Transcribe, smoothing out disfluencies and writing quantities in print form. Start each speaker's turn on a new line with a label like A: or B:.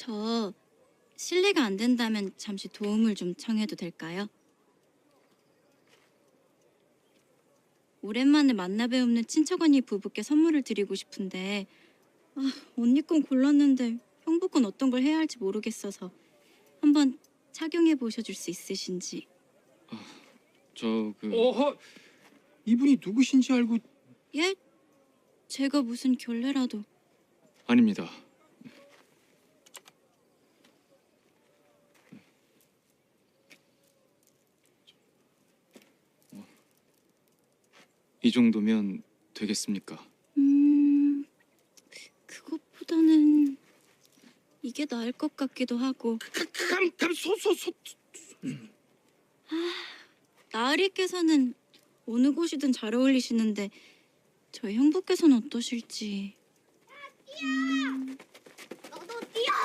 A: 저 실례가 안 된다면 잠시 도움을 좀 청해도 될까요? 오랜만에 만나 뵈옵는 친척 언니 부부께 선물을 드리고 싶은데 언니 건 골랐는데 형부 건 어떤 걸 해야 할지 모르겠어서 한번 착용해 보셔줄 수 있으신지.
B: 어허, 이분이 누구신지 알고.
A: 예? 제가 무슨 결례라도.
C: 아닙니다. 이 정도면 되겠습니까?
A: 그것보다는 이게 나을 것 같기도 하고. 나으리께서는 어느 곳이든 잘 어울리시는데 저희 형부께서는 어떠실지.